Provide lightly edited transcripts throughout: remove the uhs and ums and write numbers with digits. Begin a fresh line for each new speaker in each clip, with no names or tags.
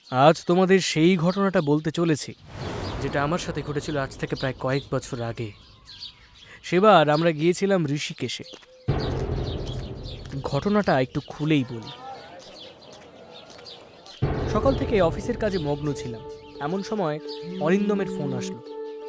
আজ তোমাদের সেই ঘটনাটা বলতে চলেছি যেটা আমার সাথে ঘটেছিল আজ থেকে প্রায় কয়েক বছর আগে। সেবার আমরা গিয়েছিলাম ঋষিকেশে। ঘটনাটা একটু খুলেই বলি। সকাল থেকে অফিসের কাজে মগ্ন ছিলাম, এমন সময় অরিন্দমের ফোন আসলো।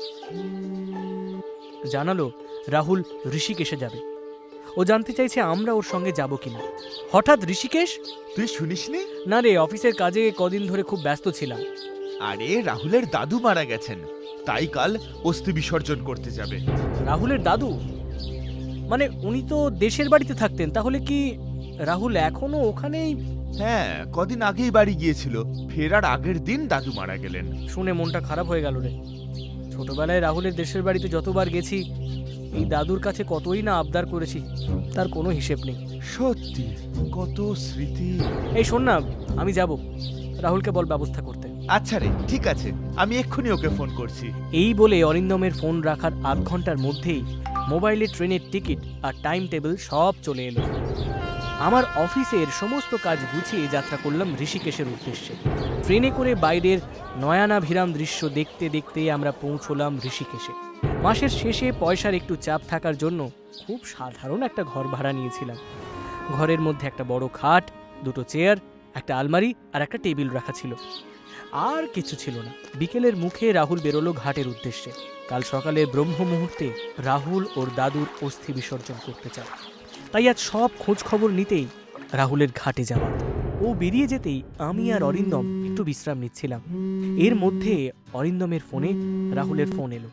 জানালো রাহুল ঋষিকেশে যাবে। ও জানতে চাইছে আমরা ওর সঙ্গে যাব কিনা। হঠাৎ ঋষিকেশ?
তুই শুনিসনি?
না রে, অফিসের কাজে কদিন ধরে খুব ব্যস্ত ছিলাম।
আরে রাহুলের দাদু মারা গেছেন, তাই কাল অস্থি বিসর্জন করতে যাবে।
রাহুলের দাদু? মানে উনি তো দেশের বাড়িতে থাকতেন, তাহলে কি রাহুল এখনো ওখানেই?
হ্যাঁ, কদিন আগেই বাড়ি গিয়েছিল, ফেরার আগের দিন দাদু মারা গেলেন।
শুনে মনটা খারাপ হয়ে গেল রে। ছোটবেলায় রাহুলের দেশের বাড়িতে যতবার গেছি, এই দাদুর কাছে কতই না আবদার করেছি, তার কোনো হিসেব নেই।
সত্যি কত স্মৃতি।
এই শোন না, আমি যাব, রাহুলকে বল ব্যবস্থা করতে।
আচ্ছা রে, ঠিক আছে, আমি এক্ষুনি ওকে ফোন করছি।
এই বলে অরিন্দমের ফোন রাখার আধ ঘন্টার মধ্যেই মোবাইলে ট্রেনের টিকিট আর টাইম টেবিল সব চলে এলো। আমার অফিসের সমস্ত কাজ গুছিয়ে যাত্রা করলাম ঋষিকেশের উদ্দেশ্যে। ট্রেনে করে বাইরের নয়নাভিরাম দৃশ্য দেখতে দেখতে আমরা পৌঁছলাম ঋষিকেশে। মাসের শেষে পয়সার একটু চাপ থাকার জন্য খুব সাধারণ একটা ঘর ভাড়া নিয়েছিলাম। ঘরের মধ্যে একটা বড় খাট, দুটো চেয়ার, একটা আলমারি আর একটা টেবিল রাখা ছিল। আর কিছু ছিল না। বিকেলের মুখে রাহুল বেরোলো ঘাটের উদ্দেশ্যে। কাল সকালে ব্রহ্ম মুহূর্তে রাহুল ওর দাদুর অস্থি বিসর্জন করতে চায়। তাই আজ সব খোঁজ খবর নিতেই রাহুলের ঘাটে যাওয়া। ও বেরিয়ে যেতেই আমি আর অরিন্দম একটু বিশ্রাম নিচ্ছিলাম। এর মধ্যে অরিন্দমের ফোনে রাহুলের ফোন এলো।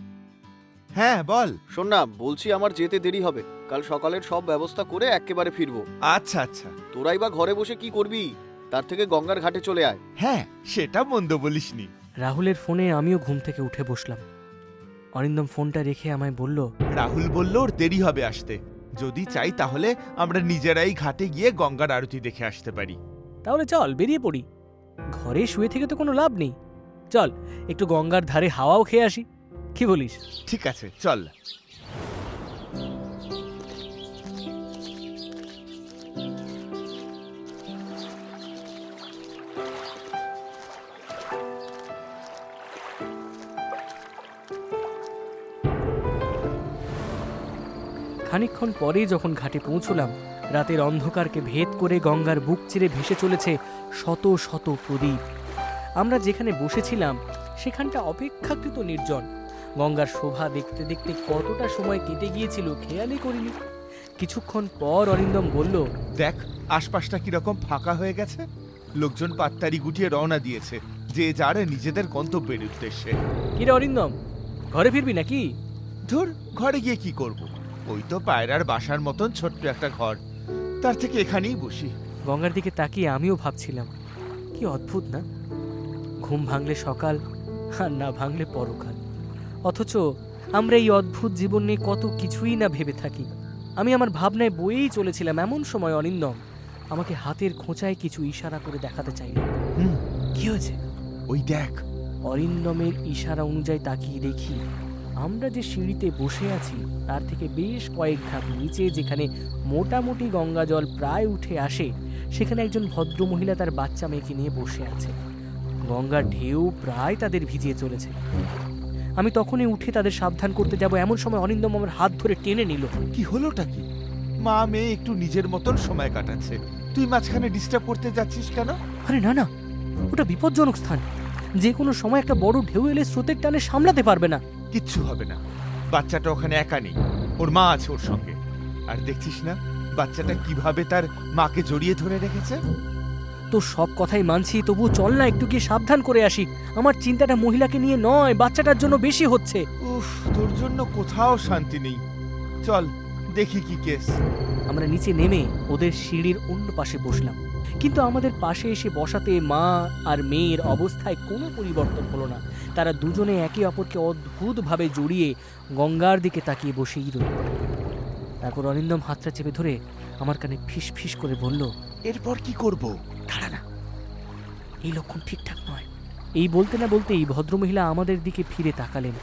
হ্যাঁ বল।
শোন না, বলছি আমার যেতে দেরি হবে। কাল সকালের সব ব্যবস্থা করে একেবারে ফিরবো।
আচ্ছা আচ্ছা।
তোরাই বা ঘরে বসে কি করবি? তার থেকে গঙ্গার ঘাটে চলে আয়।
হ্যাঁ, সেটা মন্দ বলিসনি।
রাহুলের ফোনে আমিও ঘুম থেকে উঠে বসলাম। অরিন্দম ফোনটা রেখে আমায় বলল,
রাহুল বলল ওর দেরি হবে আসতে, যদি চাই তাহলে আমরা নিজেরাই ঘাটে গিয়ে গঙ্গার আরতি দেখে আসতে পারি।
তাহলে চল বেরিয়ে পড়ি। ঘরে শুয়ে থেকে তো কোনো লাভ নেই। চল একটু গঙ্গার ধারে হাওয়াও খেয়ে আসি, কি বলিস?
ঠিক আছে, চল।
খানিকক্ষণ পরেই যখন ঘাটে পৌঁছলাম, রাতের অন্ধকারকে ভেদ করে গঙ্গার বুক চিরে ভেসে চলেছে শত শত প্রদীপ। আমরা যেখানে বসেছিলাম সেখানটা অপেক্ষাকৃত নির্জন। গঙ্গার শোভা দেখতে দেখতে কতটা সময় কেটে গিয়েছিল খেয়ালই করিনি। কিছুক্ষণ পর অরিন্দম বলল,
দেখ আশপাশটা কিরকম ফাঁকা হয়ে গেছে। লোকজন পাত্তারি গুটিয়ে রওনা দিয়েছে, যে যার নিজেদের গন্তব্যের উদ্দেশ্যে।
কিরে অরিন্দম, ঘরে ফিরবি নাকি?
ধুর, ঘরে গিয়ে কি করব? ওই তো পায়রার বাসার মতন ছোট্ট একটা ঘর, তার থেকে এখানেই বসি।
গঙ্গার দিকে তাকিয়ে আমিও ভাবছিলাম, কি অদ্ভুত না? ঘুম ভাঙলে সকাল, আর না ভাঙলে পরকাল। অথচ আমরা এই অদ্ভুত জীবন নিয়ে কত কিছুই না ভেবে থাকি। আমি আমার ভাবনায় বয়েই চলেছিলাম, এমন সময় অরিন্দম আমাকে হাতের খোঁচায় কিছু ইশারা করে দেখাতে চাইল।
হুম,
কি হয়েছে?
ওই দেখ।
অরিন্দমের ইশারা অনুযায়ী তাকিয়ে দেখি আমরা যে সিঁড়িতে বসে আছি তার থেকে বেশ কয়েক ধাপ নিচে, যেখানে মোটামুটি গঙ্গা জল প্রায় উঠে আসে, সেখানে একজন ভদ্রমহিলা তার বাচ্চা মেয়েকে নিয়ে বসে আছে। গঙ্গার ঢেউ প্রায় তাদের ভিজিয়ে চলেছে। আমি তখনই উঠে তাদের সাবধান করতে যাব, এমন সময় অরিন্দম আমার হাত ধরে টেনে নিল।
কি হলোটা কি? মা মেয়ে একটু নিজের মতন সময় কাটাচ্ছে, তুই মাঝখানে ডিস্টার্ব করতে যাচ্ছিস কেন?
আরে না না, ওটা বিপজ্জনক স্থান। যে কোনো সময় একটা বড় ঢেউ এলে স্রোতের টানে সামলাতে পারবে না।
কিচ্ছু হবে না, বাচ্চাটা ওখানে একা নেই, ওর মা আছে ওর সঙ্গে। আর দেখছিস না বাচ্চাটা কিভাবে তার মাকে জড়িয়ে ধরে রেখেছে?
তো সব কথাই মানছি, তবু চল না একটু গিয়ে সাবধান করে আসি। আমার চিন্তাটা মহিলাকে নিয়ে নয়, বাচ্চাটার জন্য বেশি হচ্ছে।
উফ, তোর জন্য কোথাও শান্তি নেই। চল দেখি কি কেস।
আমরা নিচে নেমে ওদের সিঁড়ির অন্য পাশে বসলাম, কিন্তু আমাদের পাশে এসে বসাতে মা আর মেয়ের অবস্থায় কোনো পরিবর্তন হলো না। তারা দুজনে একে অপরকে অদ্ভুতভাবে জড়িয়ে গঙ্গার দিকে তাকিয়ে বসেই রইল। তারপর অরিন্দম হাতটা চেপে ধরে আমার কানে ফিস ফিস করে বলল,
এরপর কি করব?
দাঁড়া না, এই লক্ষণ ঠিকঠাক নয়। এই বলতে না বলতেই ভদ্রমহিলা আমাদের দিকে ফিরে তাকালেন।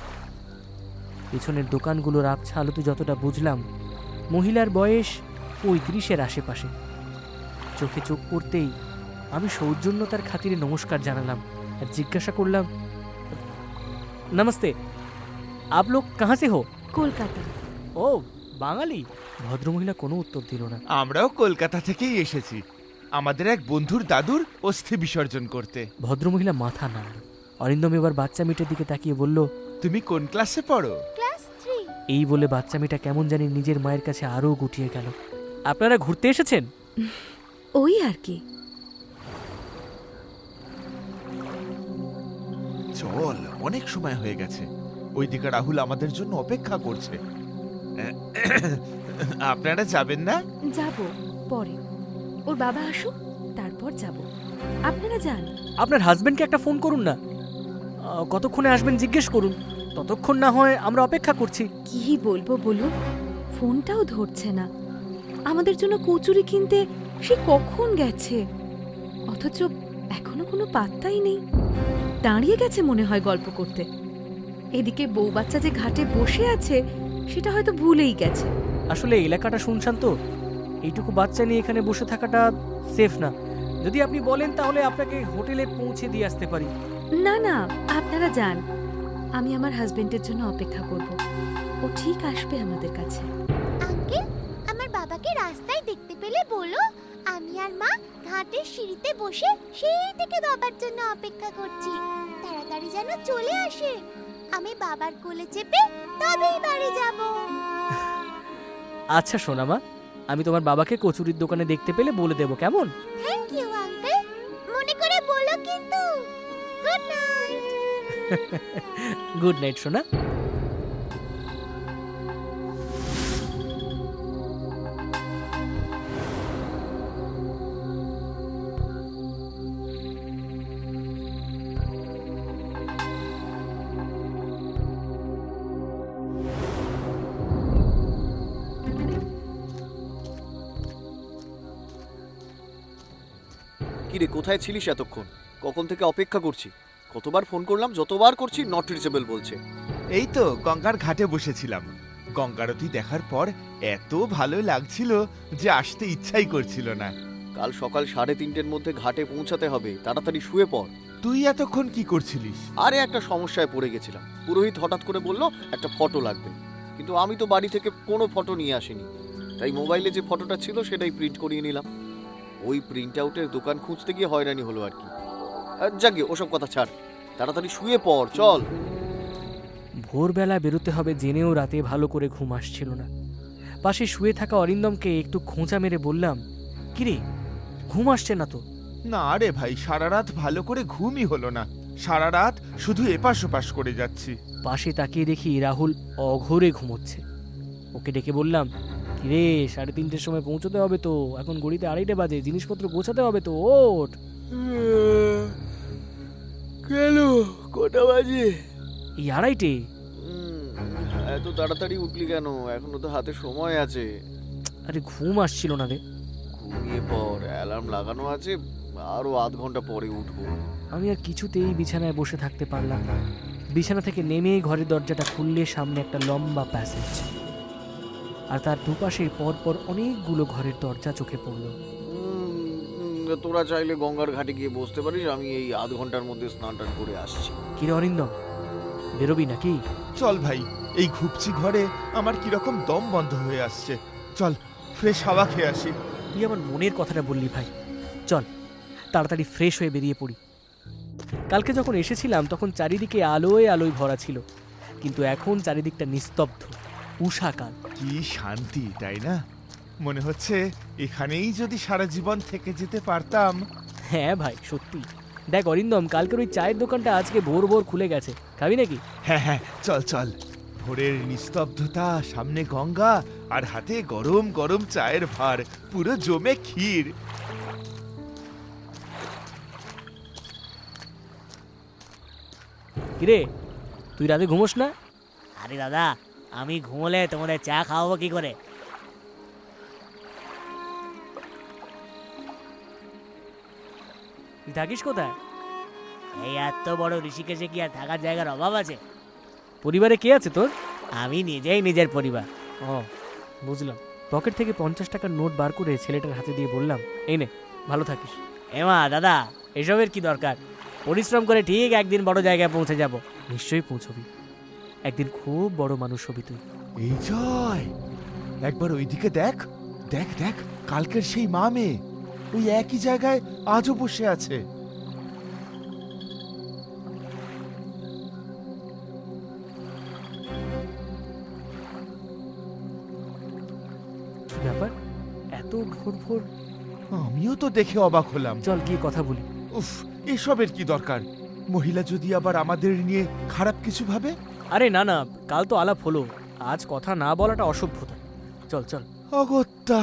পেছনের দোকানগুলোর আবছা আলোতে যতটা বুঝলাম, মহিলার বয়স 35-এর আশেপাশে। চোখে চোখ পড়তেই আমি সৌজন্যতার খাতিরে নমস্কার জানালাম আর জিজ্ঞাসা করলাম, নমস্তে, আপ লোক কাহা সে হো?
কলকাতা।
ও বাঙালি। ভদ্রমহিলা কোনো উত্তর দিল না।
আমরাও কলকাতা থেকেই এসেছি, আমাদের এক বন্ধুর দাদুর অস্থি বিসর্জন করতে।
ভদ্রমহিলা মাথা নাড়ল। অরিন্দম এবার বাচ্চা মেয়েটার দিকে তাকিয়ে বলল,
তুমি কোন ক্লাসে পড়ো?
ক্লাস 3।
এই বলে বাচ্চা মেয়েটা কেমন জানি নিজের মায়ের কাছে আরও গুটিয়ে গেল। আপনারা ঘুরতে এসেছেন?
ওই আর কি।
চল, অনেক সময় হয়ে গেছে, ওইদিকে রাহুল আমাদের জন্য অপেক্ষা করছে। আপনারা যাবেন না?
যাব পরে, ওর বাবা আসুক তারপর যাব। আপনারা যান।
আপনার হাজবেন্ডকে একটা ফোন করুন না, কতক্ষণে আসবেন জিজ্ঞেস করুন। ততক্ষণ না হয় আমরা অপেক্ষা করছি।
কি বলবো বলুন, ফোনটাও ধরছে না। আমাদের জন্য কচুরি কিনতে সে কখন গেছে, অথচ এখনো কোনো পাত্তাই নেই। দাঁড়িয়ে গেছে মনে হয় গল্প করতে। এদিকে বউ বাচ্চা যে ঘাটে বসে আছে সেটা হয়তো ভুলেই গেছে।
আসলে এলাকাটা শুনশান তো, এইটুকু বাচ্চা নিয়ে এখানে বসে থাকাটা সেফ না। যদি আপনি বলেন তাহলে আপনাকে হোটেলে পৌঁছে দিয়ে আসতে পারি।
না না, আপনারা যান, আমি আমার হাজবেন্ডের জন্য অপেক্ষা করব। ও ঠিক আসবে আমাদের কাছে।
আঙ্কেল, আমার বাবাকে রাস্তায় দেখতে পেলে বলো, আমি আর মা ঘাটের সিঁড়িতে বসে সেই থেকে বাবার জন্য অপেক্ষা করছি। তাড়াতাড়ি যেন চলে আসে, আমি বাবার কোলে চেপে তবেই বাড়ি যাব।
আচ্ছা সোনামা, আমি তোমার বাবাকে কচুরির দোকানে দেখতে পেলে বলে দেবো, কেমন?
থ্যাংক ইউ আঙ্কেল, মনে করে বলো কিন্তু। Good night.
গুড নাইট সোনা।
কি রে, কোথায় ছিলিস এতক্ষণ? কখন থেকে অপেক্ষা করছি, কতবার ফোন করলাম, যতবার করছি নট রিচেবল বলছে।
এই তো গঙ্গার ঘাটে বসেছিলাম। গঙ্গারতি দেখার পর এত ভালো লাগছিল যে আসতে ইচ্ছাই করছিল না।
কাল সকাল 3:30-এর মধ্যে ঘাটে পৌঁছাতে হবে, তাড়াতাড়ি শুয়ে পড়।
তুই এতক্ষণ কি করছিলিস?
আরে একটা সমস্যায় পড়ে গেছিলাম। পুরোহিত হঠাৎ করে বলল একটা ফটো লাগবে, কিন্তু আমি তো বাড়ি থেকে কোনো ফটো নিয়ে আসিনি, তাই মোবাইলে যে ফটোটা ছিল সেটাই প্রিন্ট করিয়ে নিলাম। ওই প্রিন্ট আউটের দোকান খুঁজতে গিয়ে হয়রানি হলো আর কি। যাকে ওসব কথা ছাড়, তাড়াতাড়ি শুয়ে পড়, চল।
ভোরবেলা বেরোতে হবে জেনেও রাতে ভালো করে ঘুম আসছিল না। পাশে শুয়ে থাকা অরিন্দমকে একটু খোঁচা মেরে বললাম, কিরে ঘুম আসছে না তো?
না রে ভাই, সারা রাত ভালো করে ঘুমই হলো না। সারা রাত শুধু এপাশ ওপাশ করে যাচ্ছি।
পাশে তাকিয়ে দেখি রাহুল অঘোরে ঘুমোচ্ছে। ওকে ডেকে বললাম, কিরে 3:30-এর সময় পৌঁছতে হবে তো, এখন ঘড়িতে 2:30 বাজে, জিনিসপত্র গোছাতে হবে তো, ওঠ।
কেন, কটা বাজে?
এই 2:30।
এত তাড়াতাড়ি উঠলি কেন? এখনো তো হাতে সময় আছে।
আরে ঘুম আসছিল না রে।
ঘুমিয়ে পড়, অ্যালার্ম লাগানো আছে, আরো আধ ঘন্টা পরে উঠবো।
আমি আর কিছুতেই বিছানায় বসে থাকতে পারলাম না। বিছানা থেকে নেমে ঘরের দরজাটা খুললে সামনে একটা লম্বা প্যাসেজ, আর তার দুপাশে পরপর অনেকগুলো ঘরের দরজা চোখে পড়ল।
তোরা চাইলে গঙ্গার ঘাটে গিয়ে বসতে পারিস, আমি এই আধ ঘন্টার মধ্যে স্নান টান করে আসছি।
কিরে অরিন্দম, বেরোবি নাকি?
চল ভাই, এই ঘুপচি ঘরে আমার কিরকম দম বন্ধ হয়ে আসছে। চল ফ্রেশ হাওয়া খেয়ে আসি।
তুই আমার মনের কথাটা বললি ভাই, চল তাড়াতাড়ি ফ্রেশ হয়ে বেরিয়ে পড়ি। কালকে যখন এসেছিলাম তখন চারিদিকে আলোয় আলোয় ভরা ছিল, কিন্তু এখন চারিদিকটা নিস্তব্ধ, উষাকাল।
কি শান্তি, তাই না? মনে হচ্ছে এখানেই যদি সারা জীবন থেকে যেতে পারতাম।
হ্যাঁ ভাই সত্যি। দেখ অরিন্দম, কালকের ওই চায়ের দোকানটা আজকে ভোর ভোর খুলে গেছে, খাবি নাকি?
হ্যাঁ হ্যাঁ, চল চল। ভোরের নিস্তব্ধতা, সামনে গঙ্গা, আর হাতে গরম গরম চায়ের ভার, পুরো জমে ক্ষীর।
কিরে তুই রাতে ঘুমোস না?
আরে দাদা, আমি ঘুমোলে তোমাদের চা খাওয়াবো কি করে?
তুই থাকিস কোথায়?
এই এত বড় ঋষিকেশে কি আর থাকার জায়গার অভাব আছে?
পরিবারে কে আছে তোর?
আমি নিজেই নিজের পরিবার।
ও বুঝলাম। পকেট থেকে 50 টাকার নোট বার করে ছেলেটার হাতে দিয়ে বললাম, এই নে, ভালো থাকিস।
এমা দাদা, এসবের কি দরকার? পরিশ্রম করে ঠিক একদিন বড় জায়গায় পৌঁছে যাব।
নিশ্চয়ই পৌঁছবি, একদিন খুব বড় মানুষ হবি তুই।
এই জয়, একবার ওইদিকে দেখ, দেখ দেখ, কালকের সেই মা মেয়ে ওই একই জায়গায় আজও বসে আছে।
কি ব্যাপার, এত ভোর ভোর?
আমিও তো দেখে অবাক হলাম।
চল গিয়ে কথা বলি।
উফ, এসবের কি দরকার? মহিলা যদি আবার আমাদের নিয়ে খারাপ কিছু ভাবে।
আরে না না, কাল তো আলাপ হলো, আজ কথা না বলাটা অসভ্যতা। চল চল।
অগত্যা।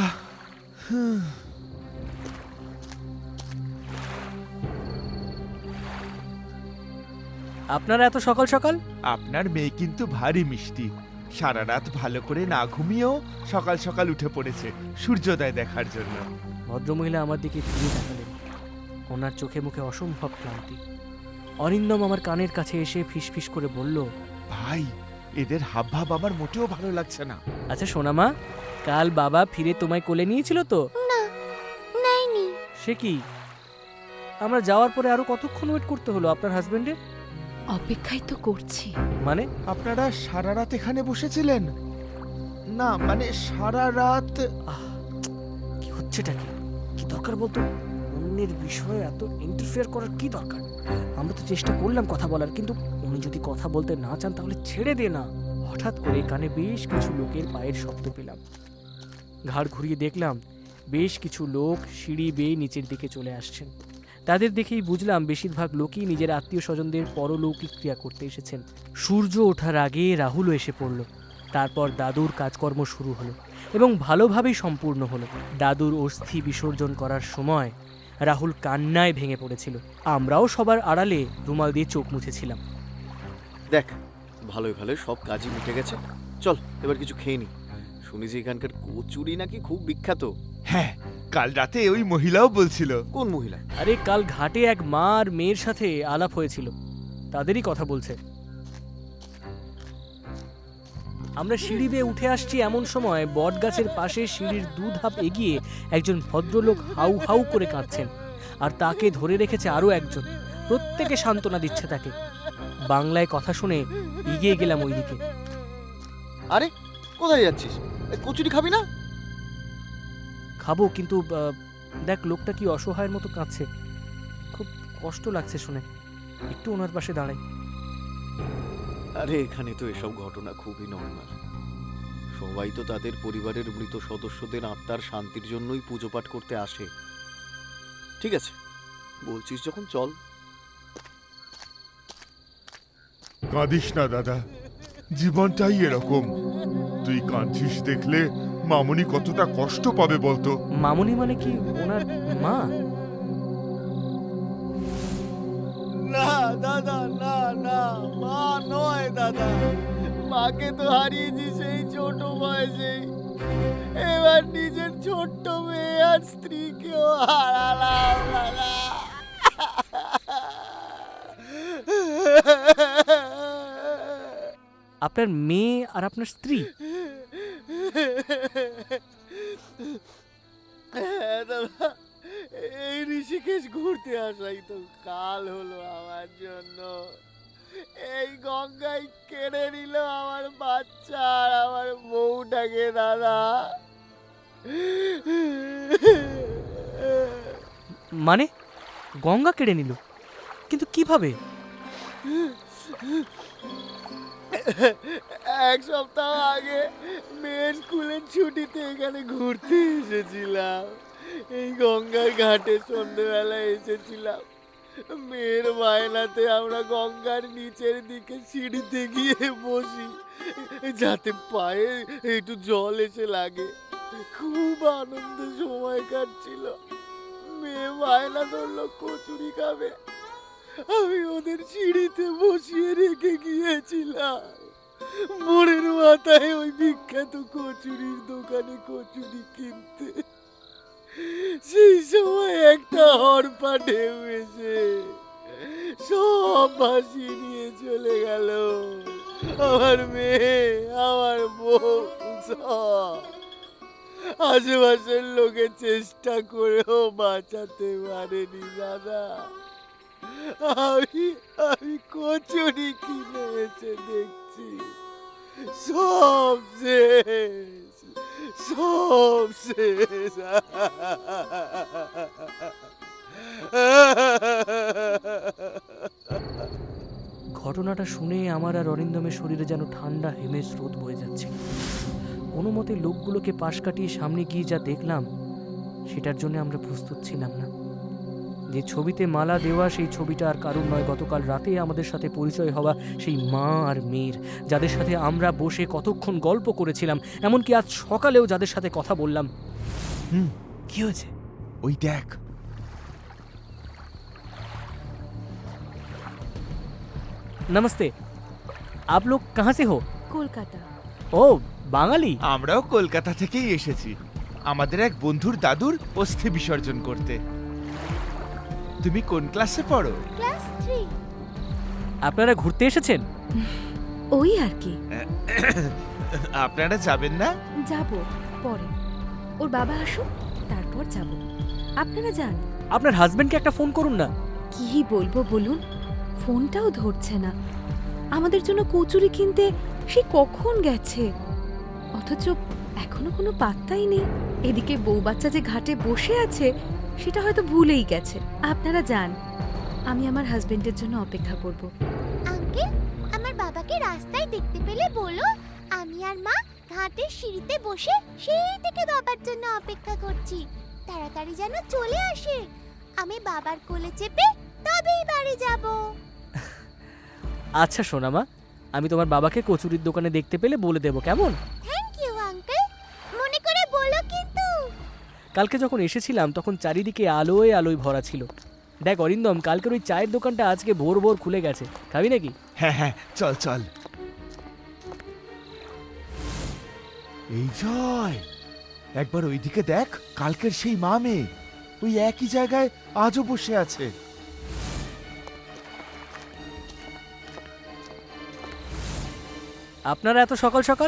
আপনারা এত সকাল সকাল?
আপনার মেয়ে কিন্তু ভারী মিষ্টি, সারা রাত ভালো করে না ঘুমিয়েও সকাল সকাল উঠে পড়েছে সূর্যোদয় দেখার জন্য।
ভদ্রমহিলা আমার দিকে ফিরে তাকালেন, ওনার চোখে মুখে অসম্ভব ক্লান্তি। অরিন্দম আমার কানের কাছে এসে ফিসফিস করে বলল,
ভাই, এদের হাবভাব আমার মোটেও ভালো লাগছে না।
আচ্ছা সোনামা, কাল বাবা ফিরে তোমায় কোলে নিয়েছিল তো?
না, নেয়নি।
সে কি, আমরা যাওয়ার পরে আরো কতক্ষণ ওয়েট করতে হলো আপনার হাজবেন্ডের?
অপেক্ষাই তো করছি।
মানে?
আপনারা সারা রাত এখানে বসেছিলেন? না মানে সারা রাত।
কি হচ্ছেটা কি? কি দরকার বলতো? অন্যের বিষয়ে এত ইন্টারফেয়ার করার কি দরকার? আমরা তো চেষ্টা করলাম কথা বলার, কিন্তু উনি যদি কথা বলতে না চান তাহলে ছেড়ে দে না। হঠাৎ করে কানে বেশ কিছু লোকের পায়ের শব্দ পেলাম। ঘাড় ঘুরিয়ে দেখলাম বেশ কিছু লোক সিঁড়ি বেয়ে নিচের দিকে চলে আসছেন। তাদের দেখেই বুঝলাম বেশিরভাগ লোকই নিজের আত্মীয় স্বজনদের পরলৌকিক ক্রিয়া করতে এসেছেন। সূর্য ওঠার আগে রাহুলও এসে পড়ল। তারপর দাদুর কাজকর্ম শুরু হলো এবং ভালোভাবেই সম্পূর্ণ হলো। দাদুর অস্থি বিসর্জন করার সময় রাহুল কান্নায় ভেঙে পড়েছিল। আমরাও সবার আড়ালে রুমাল দিয়ে চোখ মুছেছিলাম।
দেখ, ভালোই ভালোই সব কাজই মিটে গেছে। চল এবার কিছু খেয়ে নি। শুনি যে এখানকার কচুরি নাকি খুব বিখ্যাত।
হ্যাঁ, কাল রাতে ওই মহিলাও বলছিল।
কোন মহিলা?
আরে কাল ঘাটে এক মা আর মেয়ের সাথে আলাপ হয়েছিল, তাদেরই কথা বলছে। আমরা সিঁড়ি বেয়ে উঠে আসছি এমন সময় বটগাছের পাশে সিঁড়ির 2 ধাপ এগিয়ে একজন ভদ্রলোক হাউ হাউ করে কাঁদছেন, আর তাকে ধরে রেখেছে আরো একজন। প্রত্যেকে সান্ত্বনা দিচ্ছে তাকে। বাংলায় কথা শুনে এগিয়ে গেলাম ওইদিকে।
আরে কোথায় যাচ্ছিস? কচুরি খাবি না?
খাবো, কিন্তু দেখ লোকটা কি অসহায়ের মতো কাঁদছে, খুব কষ্ট লাগছে শুনে। একটু ওনার পাশে দাঁড়াই।
আরে এখানে তো এসব ঘটনা খুবই নর্মাল। সবাই তো তাদের পরিবারের মৃত সদস্যদের আত্মার শান্তির জন্যই পুজো পাঠ করতে আসে। ঠিক আছে, বলছিস যখন চল।
কাঁদিস না দাদা, জীবনটাই এরকম। তুই কাঁদছিস দেখলে মামুনি কতটা কষ্ট পাবে বলতো।
মামুনি মানে কি ওনার মা?
না দাদা, না না, মা নয় দাদা। মাকে তো হারিয়েছি সেই ছোট বয়সেই। এবার নিজের ছোট্ট মেয়ে আর স্ত্রীকেও হারালাম দাদা।
আপনার মেয়ে আর আপনার স্ত্রী?
হ্যাঁ দাদা, এই ঋষিকেশ ঘুরতে আসাই তো কাল হলো আমার জন্য। এই গঙ্গায় কেড়ে নিল আমার বাচ্চা আর আমার বউটাকে দাদা।
মানে গঙ্গা কেড়ে নিল? কিন্তু কিভাবে?
এক সপ্তাহ আগে মেয়ের স্কুলের ছুটিতে এখানে ঘুরতে এসেছিলাম। এই গঙ্গার ঘাটে সন্ধ্যেবেলায় এসেছিলাম। মেয়ের বায়নাতে আমরা গঙ্গার নিচের দিকে সিঁড়িতে গিয়ে বসি, যাতে পায়ে একটু জল এসে লাগে। খুব আনন্দে সময় কাটছিল। মেয়ে বায়না ধরলো কচুরি খাবে, আমি ওদের সিঁড়িতে বসিয়ে রেখে গিয়েছিলাম। মোড়ের মাথায় ওই বিখ্যাত কচুরির দোকানে কচুরি কিনতে। সেই সময় একটা হরপা ঢেউ এসে সব ভাসিয়ে নিয়ে চলে গেল। আমার মেয়ে, আমার বউ সব। আশেপাশের লোকে চেষ্টা করেও বাঁচাতে পারেনি দাদা। আমি কচুরি কিনে এসে দেখছি সব শেষ, সব শেষ।
ঘটনাটা শুনে আমার আর অরিন্দমের শরীরে যেন ঠান্ডা হেমের স্রোত বয়ে যাচ্ছে। কোনো মতে লোকগুলোকে পাশ কাটিয়ে সামনে গিয়ে যা দেখলাম সেটার জন্য আমরা প্রস্তুত ছিলাম না। যে ছবিতে মালা দেওয়া সেই ছবিটা আর কারণ নয়, গতকাল রাতে আমাদের সাথে পরিচয় হওয়া সেই মা আর মেয়ের, যাদের সাথে আমরা বসে কতক্ষণ গল্প করেছিলাম, এমনকি আজ সকালেও যাদের সাথে কথা বললাম। কি হয়েছে?
ওই দেখ,
नमस्ते, आप लोग कहाँ से हो?
কলকাতা।
ও বাঙালি।
আমরাও কলকাতা থেকেই এসেছি আমাদের এক বন্ধুর দাদুর অস্থি বিসর্জন করতে। তুমি কোন ক্লাসে পড়ো?
ক্লাস 3।
আপনারা ঘুরতে এসেছেন?
ওই আর কি।
আপনারা যাবেন না?
যাব পরে, ওর বাবা আসুক তারপর যাব। আপনারা যান।
আপনার হাজবেন্ডকে একটা ফোন করুন না।
কি বলবো বলুন, ফোনটাও ধরছে না। আমাদের জন্য কচুরি কিনতে সে কখন গেছে, অথচ এখনো কোনো পাত্তাই নেই। এদিকে বউ বাচ্চা যে ঘাটে বসে আছে সেটা হয়তো ভুলেই গেছে। আপনারা যান, আমি আমার হাজবেন্ডের জন্য অপেক্ষা করব।
আঙ্কেল, আমার বাবাকে রাস্তায় দেখতে পেলে বলো আমি আর মা ঘাটের সিঁড়িতে বসে সেই থেকে বাবার জন্য অপেক্ষা করছি। তাড়াতাড়ি যেন চলে আসে, আমি বাবার কোলে চেপে তবেই বাড়ি যাব।
আচ্ছা সোনামা, আমি তোমার বাবাকে কচুরির দোকানে দেখতে পেলে বলে দেবো, কেমন?
থ্যাংক ইউ আঙ্কেল, মনে করে বলো কিন্তু।
কালকে যখন এসেছিলাম তখন চারিদিকে আলোয় আলোয় ভরা ছিল। দেখ অরিন্দম, কালকের ওই চায়ের দোকানটা আজকে ভোর ভোর খুলে গেছে, খাবি নাকি?
হ্যাঁ হ্যাঁ, চল চল। এই জয়, একবার ওইদিকে দেখ, কালকের সেই মা মেয়ে ওই একই জায়গায় আজও বসে আছে।
আপনারা এত সকাল সকাল?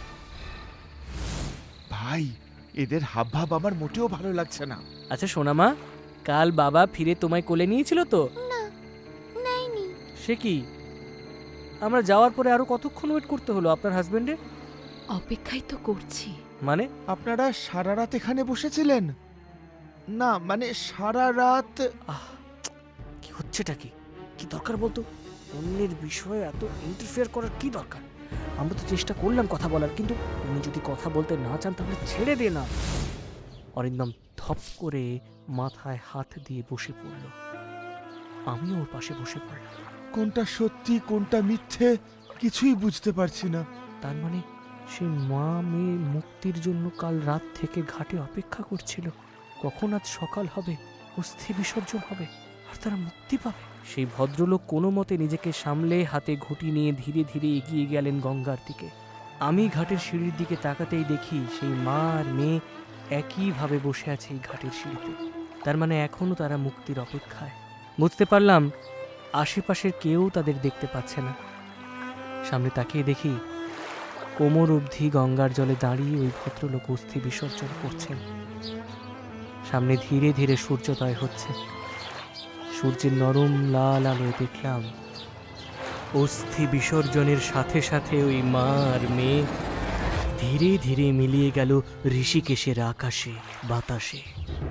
ভাই, এদের হাবভাব আমার মোটেও ভালো লাগছে না।
আচ্ছা সোনামা, কাল বাবা ফিরে তোমায় কোলে নিয়েছিল তো?
না, নাইনি।
সে কি, আমরা যাওয়ার পরে আরো কতক্ষণ ওয়েট করতে হলো আপনার হাজবেন্ডের?
অপেক্ষাই তো করছি।
মানে?
আপনারা সারা রাত এখানে বসেছিলেন? না মানে সারা রাত।
কি হচ্ছেটা কি? কি দরকার বলতো? অন্যের বিষয়ে এত ইন্টারফেয়ার করার কি দরকার? আমরা তো চেষ্টা করলাম কথা বলার, কিন্তু উনি যদি কথা বলতে না চান তাহলে ছেড়ে দে না। অরিন্দম ধপ করে মাথায় হাত দিয়ে বসে পড়ল। আমি ওর পাশে বসে পড়লাম।
কোনটা সত্যি কোনটা মিথ্যে কিছুই বুঝতে পারছি না।
তার মানে সেই মা মেয়ে মুক্তির জন্য কাল রাত থেকে ঘাটে অপেক্ষা করছিল। কখন আজ সকাল হবে, অস্থি বিসর্জন হবে, আর তারা মুক্তি পাবে। সেই ভদ্রলোক কোনো মতে নিজেকে সামলে হাতে ঘুঁটি নিয়ে ধীরে ধীরে এগিয়ে গেলেন গঙ্গার দিকে। আমি ঘাটের সিঁড়ির দিকে তাকাতেই দেখি সেই মা আর মেয়ে একইভাবে বসে আছে এই ঘাটের সিঁড়িতে। তার মানে এখনো তারা মুক্তির অপেক্ষায়। বুঝতে পারলাম আশেপাশের কেউ তাদের দেখতে পাচ্ছে না। সামনে তাকিয়ে দেখি কোমর অবধি গঙ্গার জলে দাঁড়িয়ে ওই ভদ্রলোক অস্থি বিসর্জন করছেন। সামনে ধীরে ধীরে সূর্যোদয় হচ্ছে। সূর্যের নরম লাল আলোয় দেখলাম অস্থি বিসর্জনের সাথে সাথে ওই মা আর মেয়ে ধীরে ধীরে মিলিয়ে গেল ঋষিকেশের আকাশে বাতাসে।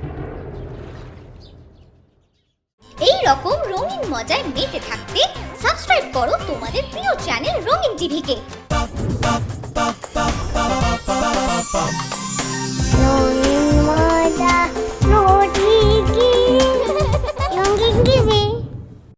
এই রকম রঙিন মজায় মেতে থাকতে সাবস্ক্রাইব করো তোমাদের প্রিয় চ্যানেল রঙিন টিভিকে।